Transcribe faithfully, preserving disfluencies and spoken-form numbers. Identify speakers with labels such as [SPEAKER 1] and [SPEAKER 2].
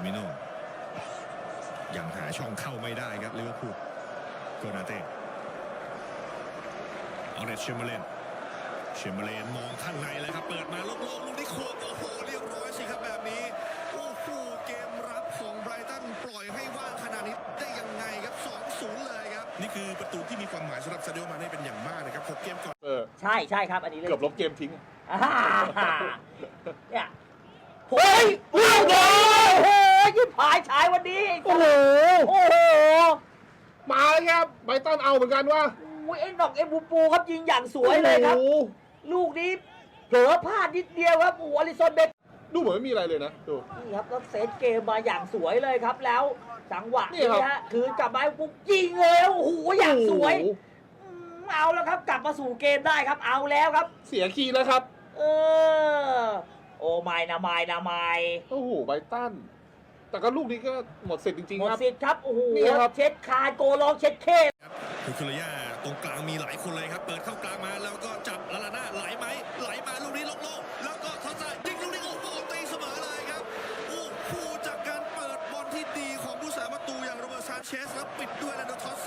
[SPEAKER 1] มิโนยังหาช่องเข้าไม่ได้ครับลิเวอร์พูลโกนาเต้ออเรตเชมเบอร์เลนเชมเบอร์เลนมองข้างในเลยครับเปิดมาโล่งๆลูกนี้ควงโอ้โหเรียบร้อยสิครับแบบนี้โอ้โหเกมรับของไบรตันปล่อยให้ว่างขนาดนี้ได้ยังไงครับ สองศูนย์ เลยครับ
[SPEAKER 2] นี่คือประตูที่มีความหมายสำหรับซาดิโอมาเน่เป็นอย่างมากนะครับหกเกมก่อน
[SPEAKER 3] เออ
[SPEAKER 4] ใช่ใช่ครับอันนี้เลย
[SPEAKER 3] เกือบลบเกมทิ้ง
[SPEAKER 4] อ่าเนี่ยโอ้ยโอ้โหโอ้โหยิบหายฉายวันนี้
[SPEAKER 3] โอ้โห
[SPEAKER 4] โอ้โห
[SPEAKER 3] มาเลยครับไบรตันเอาเหมือนกันว่า
[SPEAKER 4] โอ้ยไอ้ดอกเอ็มบูปูครับยิงอย่างสวยเลยครับ
[SPEAKER 3] โอ้โห
[SPEAKER 4] ลูกนี้เผลอพลาดนิดเดียวครับโอ้โหอลิซอนเบค
[SPEAKER 3] ดูเหมือนไม่มีอะไรเลยนะดู
[SPEAKER 4] นี่ครับแล้วเซตเกมมาอย่างสวยเลยครับแล้วจังหวะ
[SPEAKER 3] นี่
[SPEAKER 4] นี้
[SPEAKER 3] ครับ
[SPEAKER 4] ฮะคืนกลับมาปุ๊บยิงเลยโอ้โหอย่างสวย
[SPEAKER 3] โอ้โห
[SPEAKER 4] อืมเอาแล้วครับกลับมาสู่เกมได้ครับเอาแล้วครับ
[SPEAKER 3] เสียคีย์แล้วครับ
[SPEAKER 4] เออโอ้ไม่นะไม่นะไม่
[SPEAKER 3] โอ้โหไบรตันแต่ก็ลูกนี้ก็หมดสิทธิ์จริง
[SPEAKER 4] หม
[SPEAKER 3] ๆ
[SPEAKER 4] ด
[SPEAKER 3] ครับ
[SPEAKER 4] สิทธิ์ครับโอ้โห
[SPEAKER 3] นี่ครับ
[SPEAKER 4] เช็ดคาโกลองเช็ดเค
[SPEAKER 1] คือคุริยาตรงกลางมีหลายคนเลยครับเปิดเข้ากลางมาแล้วก็จับลาลาน่าไหลไหมไหลมาลูกนี้โล่งๆแล้วก็ทอสซายิงลูกนี้โอ้โหตีเสมอเลยครับโอ้โหจากการเปิดบอลที่ดีของผู้สาประตูอย่างโรเบิร์ตซานเชสแล้วปิดด้วยแลนโดทอส